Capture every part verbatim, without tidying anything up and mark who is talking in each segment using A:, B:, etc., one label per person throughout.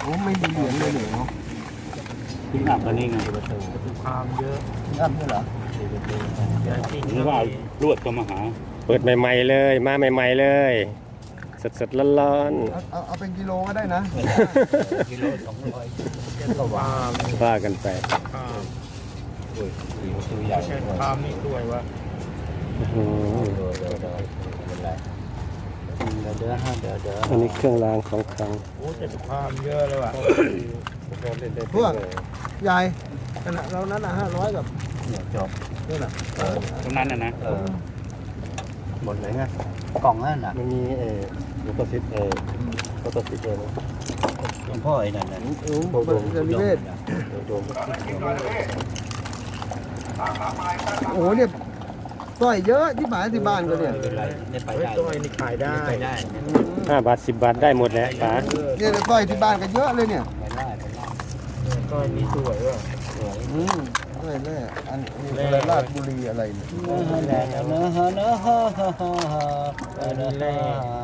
A: อ้ไม่มีเหรียญเลยเนาะ
B: ทิ้งอับกันนี่ไงประตู
C: ความเยอะ
A: อันนี้เหรอ
B: หรือว่าลวดก็มาหา
D: เปิดใหม่ๆเลยมาใหม่ๆเลยสดๆร้อน
A: เอาเอาเอาเป็นกิโลก็ได้นะ
B: กิโลสองร้อย
C: ก็ว่า
D: ๆว่ากันไป
C: ความ
B: โอ้ยตัวใหญ่
C: เช่นความนี่ด้วยวะ
D: อื้อหือ
B: เดี๋ยวเดี๋ยวเดี๋ยวเป็นไรเดี๋ยวเดี๋ยวฮะเดี๋ยวเดี๋ยว
D: อันนี้เครื่องรางของขลัง
C: โอ้แต่ความเยอะเลยว่ะ
A: พวกใหญ่ขนาดเรานั้นอ่ะห้าร้อยกับ
B: เนี่ยจบ
A: นี่น่ะ
B: ตรงนั้นนะนะเออหมดเลยไงกล่องนั่นน่ะ
D: มันมีเออลูกกระซิบเออลูกกระซิบเออ
B: หลวงพ่อไอ้นั่นน่ะ
A: โอ้โหเป็นนิเวศ
D: โดม
A: โอ้โหเนี่ยสร้อยเยอะที่หมายที่บ้านก็เนี่ย
B: ไม่เป็นไรได้ไป
C: เฮ้ย
B: ได้
C: ตัวนี้ขายได้
B: ไปได้
D: ห้าบาทสิบบาทได้หมดแหละป๋า
A: เนี่ยสร้อยที่บ้านก็เยอะเลยเนี่ย
B: ไปได้ไปได้
C: ตัวนี้สวยว่ะ
B: สวย
A: อืมสร้อยแร่อันนี้อะไรราชบุรีอะไรเนี่ย
B: แรงแล้วเนอะเนอะเนอะเนอะ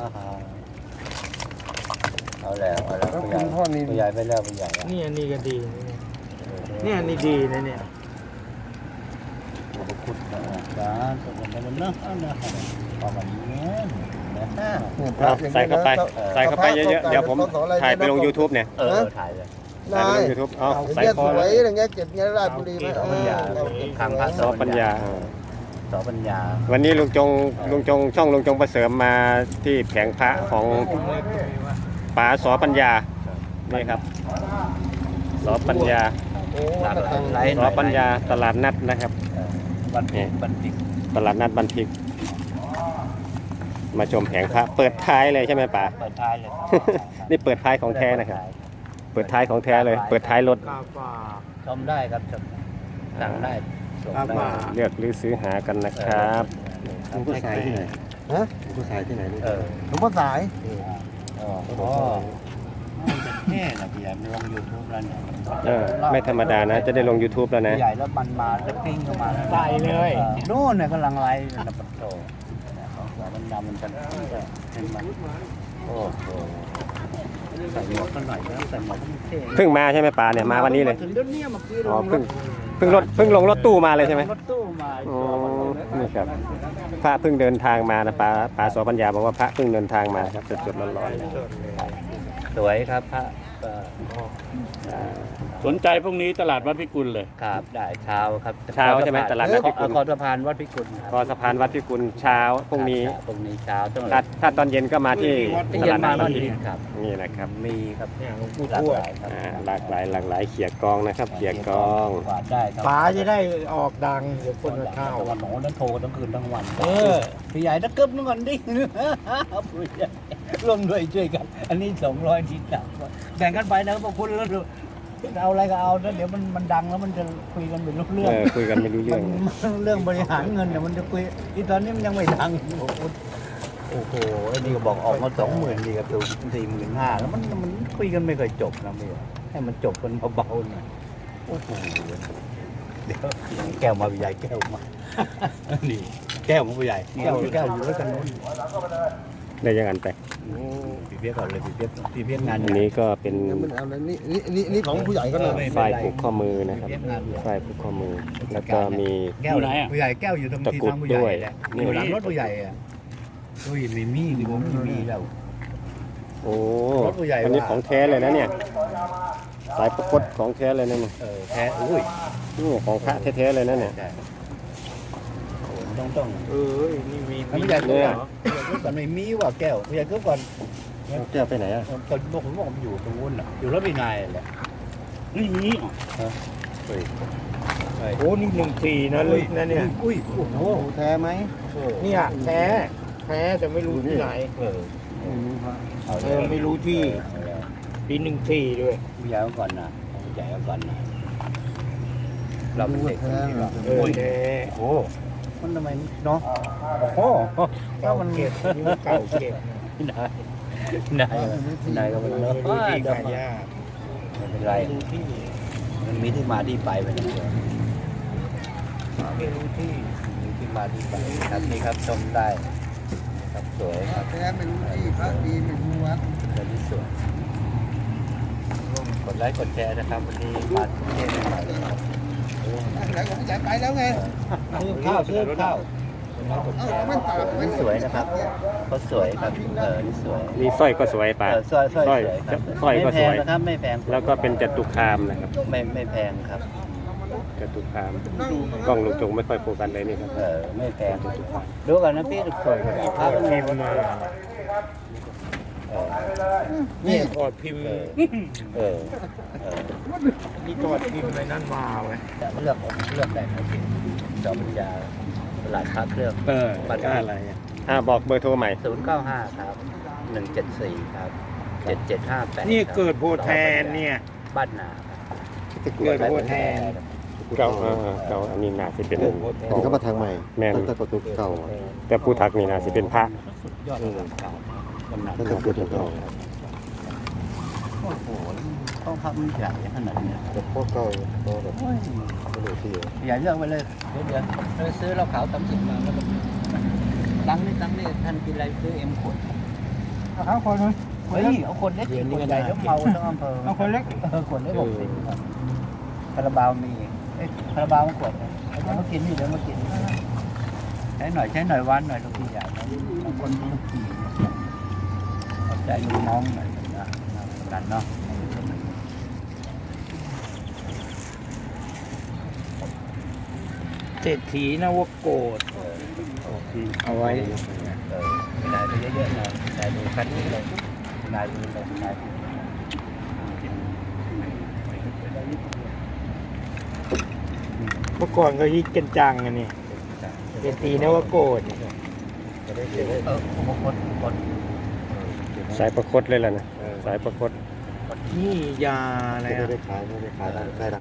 B: เอาแล้วเอาแล้ว
A: แล้ว
B: ผู้ให
A: คุ
B: ญ่
A: ณพ่อนี่
B: ผู้ใหญ่ไปแล้วผู้ใหญ่
C: นี่อันนี้ก็ดีนี่อันนี้ดีนะเนี่ย
B: ขอบคุณนะจ๊ะขอบคุณนะเนอะเนอะประมาณนี้นะฮะ
A: เนี่ยพ
D: เอา
A: ระอย่ง
D: ใส่
A: นี้
D: เข้าไป
A: นะ
D: ใส่เข้าไปเยอะๆเดี๋ยวผมถ่ายไปลง YouTube เนี่ย
B: เออถ่ายเลย
D: ใส่ไปลง YouTube เอา
A: เอา
D: ใส่
A: เงี้ย
D: ค
A: ส
D: อ
A: ว
D: เลย ย
A: อย่างเงี้ยเก็บเงี้ยราชบุรีไหมเออเราเก็บ
B: ทางพระ
D: สอปัญญา
B: สอปัญญา
D: วันนี้ลุงจงลุงจงช่องลุงจงประเสริมมาที่แผงพระของป๋าสอปัญญานี่ครับสอปัญญา
A: โอ้วัดตะตัง
B: ไล
D: สอปัญญาตลาดนัดนะครับ
B: บันทิกบันทิก
D: ตลาดนัดบันทิก มาชมแผงพระเปิดท้ายเลยใช่ไหมป๋า
B: เปิดท้ายเลย
D: นี่เปิดท้ายของแท้นะครับ เปิดท้ายของแท้เลย เปิดท้ายรถ
C: กาฝา
B: ชมได้ครับชมสั่งได้ชม
C: ครับ
B: ได้
C: ว่า
D: เลือกหรือซื้อหากันนะครับ
B: หลวงพ่อสายที่ไหน
A: ฮะ
D: หลวงพ่อสายที่ไหน
B: เออ
A: หลวงพ่อสาย
B: อ๋ออ๋อแน่นะพี่ใหญ่มันลงยูทูบแล้วเนี่ย
D: เออไม่ธรรมดานะ จะได้ลง YouTube แล้วนะ
B: พี่ใหญ่แล้วมันมาแล้วปิ้งเข้ามา
C: ใส่เลย
B: โน่นเนี่ยกำลังไล่นะปัตโตของมันดำมันกันเป็นมันโอ้โหใส่หมวกกันหน่อยนะใส่หมวกเท่
D: เพิ่งมาใช่ไหมป๋าเนี่ยมาวันนี้เลย
B: ถึงเดี๋ยวนี้เมื่อกี้
D: อ๋อเพิ่งเพิ่งรถเพิ่งลงรถตู้มาเลยใช่ไหม
B: รถตู้มา
D: อ๋อนี่ครับพระเพิ่งเดินทางมานะป๋าป๋าสอปัญญาบอกว่าพระเพิ่งเดินทางมาครับสดๆร้อนๆเลย
B: สวยครับพระก็
D: อ่า
E: สนใจพวกนี้ตลาดวัดพิกุลเลย
B: ครับได้เช้าครับ
D: เช้าใช่ไหมตลาดนัดพิกุล
B: คอสะพานวัดพิกุล
D: คอสะพานวัดพิกุลเช้าพรุ่งนี้
B: พรุ่งนี้เช้าต้อง
D: ถ้าถ้าตอนเย็นก็มาที่
B: ที่
D: ต
B: เย็น
D: ลาด
B: มา
D: นัด
B: วั
D: บั
B: น
D: นทิ
B: นี้
D: ก
B: ครับ
D: นี่นะครับ
B: มีครับ
C: เนี่ยหลวงปู่
B: หลาก
C: ทว
B: ห
C: ด
B: ลายครับ
D: อ่าหลากหลายหลากหลายเขียกองนะครับเขียกอง
B: กวาดได้ครับ
C: ป๋าจะได้ออกดังเดี๋ยวคนมาเข้า
B: วันโน้นนั้นโทรทั้งคืนทั้งวัน
C: เออ
B: พี่ใหญ่ตะเกิบนึงก่อนดิพี่ใหญ่ร่วมด้วยช่วยกัน อันนี้สองร้อยนิดหนักแบ่งกันไปนะพวกคุณแล้วเอาอะไรก็เอาแล้วเดี๋ยวมันมันดังแล้วมันจะคุยกันเป็นเรื่อ
D: เอง อคุยกันไม่รู้เรื่อง
B: มันเรื่องบริหารเงินเนี่ยมันจะคุยที่ตอนนี้มันยังไม่ดังโอ้โหไอ้นี่ก็บอกออกมาสองหมื่นดีกับตัวสี่หมื่นห้าแล้วมันมันคุยกันไม่เคยจบนะพี่ให้มันจบกันเบาๆหน่อยโอ้โหเดี๋ยวแก้วมาพี่ใหญ่แก้วมานี่แก้วมาพี่ใหญ่แก้วแก้วอยู่ด้วยกันนู้น
D: ได้ยังอันไป
B: โอ้พี่เพียกก่อนเลยพี่เพียกพี่เพียกงาน
D: อันนี้ก็เป็น
A: เนี่ยมันเอาอะไรนี่นี่นี่นี่ของผู้ใหญ่ก็เลย
D: ฝ้ายผูกข้อมือนะครับฝ้ายผูกข้อมือ แล้วก็มี
B: แก้วไหนผู้ใหญ่แก้วอยู่ตรง
D: ตะ
B: ที่
D: กรุด
B: ทางผู้ใหญ่
D: ด้วย
B: แหละ
D: นี่
B: อยู่หลังรถผู้ใหญ่อ่ะโอ้ยมีมีดิผมมีมีแล้ว
D: โอ้
B: รถผู้ใหญ่
D: อันนี้
B: ว่า
D: ของแท้เลยนะเนี่ย สายประกดของแท้เลยนะเนี่ย
B: เออแท้อุ้ย
D: โอ้ของพระแท้ๆเลยนะเนี่ย
B: ใช่โอ้ต้องต้อง
C: เออนี่มี
B: ผู้ใหญ่ก็
D: เนี่ย
B: ก่อนไม่มีว่าแก้วผู้ใหญ่ก็ก่อน
D: แก้วไปไหนอ่ะ
B: ตอนบอกผมบอกมันอยู่ตรงนู้นน่ะอยู่รถพี่นายแหละ
E: นี่
B: เฮ้ยเฮ้ย
C: โอ้นี่หนึ่งสี่นะลึกนะเนี่ย
B: อุ้ยโอ้โห
A: โอ้แท้ไหม
C: เนี่ยแท้แท้แต่ไม่รู้ที่ไหน
B: เออ
C: เออไม่รู้ที่ปีหนึ่งสี่ด้วย
B: ผู้ใหญ่ก็ก่อนนะผู้ใหญ่ก็ก่อนนะเราเป็นเด็ก
A: แท้
B: ที่
A: เหร
B: เรา
A: อ
C: เออแท้
B: โอ้มันทำไมเนาะโอ้
C: เก่าเก็บนี่มันเก่าเก็บ
B: นายนายนายก็เป็น
C: ไม่
B: เนาะ
C: รู้ที่ขายยาก
B: ไม่เป็นไร
C: ไม่รู้ที่
B: มันมีที่มาที่ไปไปนะเดี๋ยว
C: ไม่รู้ที่
B: มีที่มาที่ไปครับนี่ครับชมได้ครับสวยครับ
A: แท้ไม่รู้ที่พระดีไม่รู้วัด
B: สวยที่สวย
C: หลวง
B: ดไลค์กดแชร์นะครับวันนี้มาเที่ยวใหม่ๆครับ
A: แล้วผมจะไปแล้วไง
B: ซื้อข้าวซื้อข้าวนี่สวยนะครับเขาสวยครับเออนี่สวย
D: นี่สร้อยก็สวยป่า
B: เออสร้อยสร้อย
D: สร้อย
B: สวยครับ
D: สร้อยก็
B: ไม่แพ
D: ส
B: ง
D: วย
B: นะครับไม่แพง
D: แล้วก็เป็นจตุคามนะครับ
B: ไม่ไม่แพงครับ
D: จตุคามกล้องลุงจงไม่ค่อยโฟกัสเลยนี่ครับ
B: เออไม่แพงดูกันนะพี่สวยภาพพิมพ์มา
C: นี่ถอดพิมพ์
B: เออเออเออ
C: นี่ถอดพิมพ์อะไรนั่นมาไว้
B: แต่เลือกเลือกได้ครับพี่จอปัญญาตลาดค้าเครื่อง
E: เออก็อะไรอ่ะ
D: อ่าบอกเบอร์โทรใหม่
B: ศูนย์เก้าห้าครับหนึ่งเจ็ดสี่ครับเจ็ดเจ็ดห้าแปด
C: นี่เกิดโพแทนเนี่ย
B: บ้านนา
C: เกิดโพแทน
D: เก่าอ่าเก่าอันนี้น่าสิเป็น
A: นี่ก็มาทางใหม่
D: แม่น
A: ตั้งแต่ประตูเก่า
D: แต่ผู้ทักนี่น่าสิเป็นพระ
B: สุดยอดเลยเก่ามากกำนัน
A: ตั้งแต่ประตูเก่า
B: โอ้โหต้องพักมันใหญ่ขนาดนี้
A: แต่พวกเก่าก็แบบไม่รู้ที่
B: ใหญ่เลือกไปเลยเดี๋ยวเดี๋ยวเราซื้อเราขาวตำสิบมาแล้วก็ตังค์นี่ตังค์นี่ท่านกินอะไรซื้อเอ็มขวด
C: เอาคนนึง
B: เฮ้ยเอาคนเล็กกินคนใหญ่แล้วเมาทั้งอำเภอ
C: เอาคนเล็ก
B: เออขวดเล็กหกสิบครับคาราบาวมีเอ้ยคาราบาวมันขวดเลยเดี๋ยวมากินนี่เดี๋ยวมากินใช้หน่อยใช้หน่อยวันหน่อยลูกพี่ใหญ่นะบางคนลูกพี่เอาใจลูกน้องหน่อยนะกันเนาะ
C: เศรษฐีนวโกฏเอาไว้
B: เออไม่ได้ไปเยอะๆหน่อยนายดูคัดนี้เลยนายดูเลยนายดู
C: เมื่อก่อนก็ฮิตกันจังอันนี้เศรษฐีนวโกฏเนี่ย
B: เออโอ้โหคนคน
D: สายประคตเลยล่ะนะสายประคต
C: นี่ยาอะไร
A: ไม่
C: อ่ะ
A: ได้ขายไม่ได้ขายได้ได้